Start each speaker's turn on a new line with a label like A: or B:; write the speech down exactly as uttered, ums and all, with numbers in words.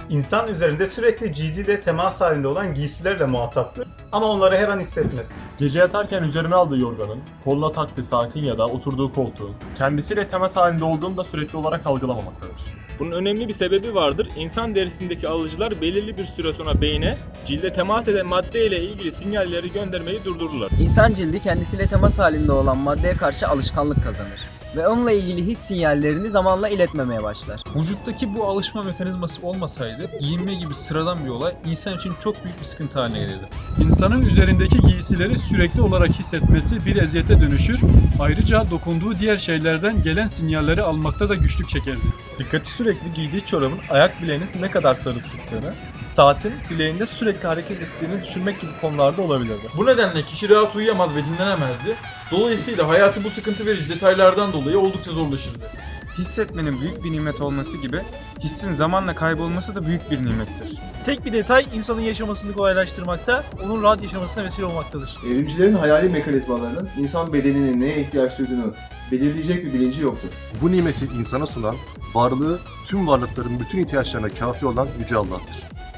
A: İnsan üzerinde sürekli cildiyle temas halinde olan giysilerle muhataptır ama onları her an hissetmez.
B: Gece yatarken üzerine aldığı yorganın, koluna taktığı saatin ya da oturduğu koltuğun, kendisiyle temas halinde olduğunu da sürekli olarak algılamamaktadır.
C: Bunun önemli bir sebebi vardır. İnsan derisindeki alıcılar belirli bir süre sonra beyne cilde temas eden madde ile ilgili sinyalleri göndermeyi durdururlar.
D: İnsan cildi kendisiyle temas halinde olan maddeye karşı alışkanlık kazanır ve onunla ilgili his sinyallerini zamanla iletmemeye başlar.
E: Vücuttaki bu alışma mekanizması olmasaydı giyinme gibi sıradan bir olay insan için çok büyük bir sıkıntı haline gelirdi.
F: İnsanın üzerindeki giysileri sürekli olarak hissetmesi bir eziyete dönüşür. Ayrıca dokunduğu diğer şeylerden gelen sinyalleri almakta da güçlük çekerdi.
G: Dikkati sürekli giydiği çorabın ayak bileğiniz ne kadar sarıp sıktığını, saatin bileğinde sürekli hareket ettiğini düşünmek gibi konularda olabilirdi.
H: Bu nedenle kişi rahat uyuyamaz ve dinlenemezdi. Dolayısıyla hayatı bu sıkıntı verici detaylardan dolayı oldukça zorlaşırdı.
I: Hissetmenin büyük bir nimet olması gibi hissin zamanla kaybolması da büyük bir nimettir.
J: Tek bir detay insanın yaşamasını kolaylaştırmakta, onun rahat yaşamasına vesile olmaktadır.
K: Evrimcilerin hayali mekanizmalarının insan bedeninin neye ihtiyaç duyduğunu belirleyecek bir bilinci yoktur.
L: Bu nimeti insana sunan, varlığı tüm varlıkların bütün ihtiyaçlarına kafi olan Yüce Allah'tır.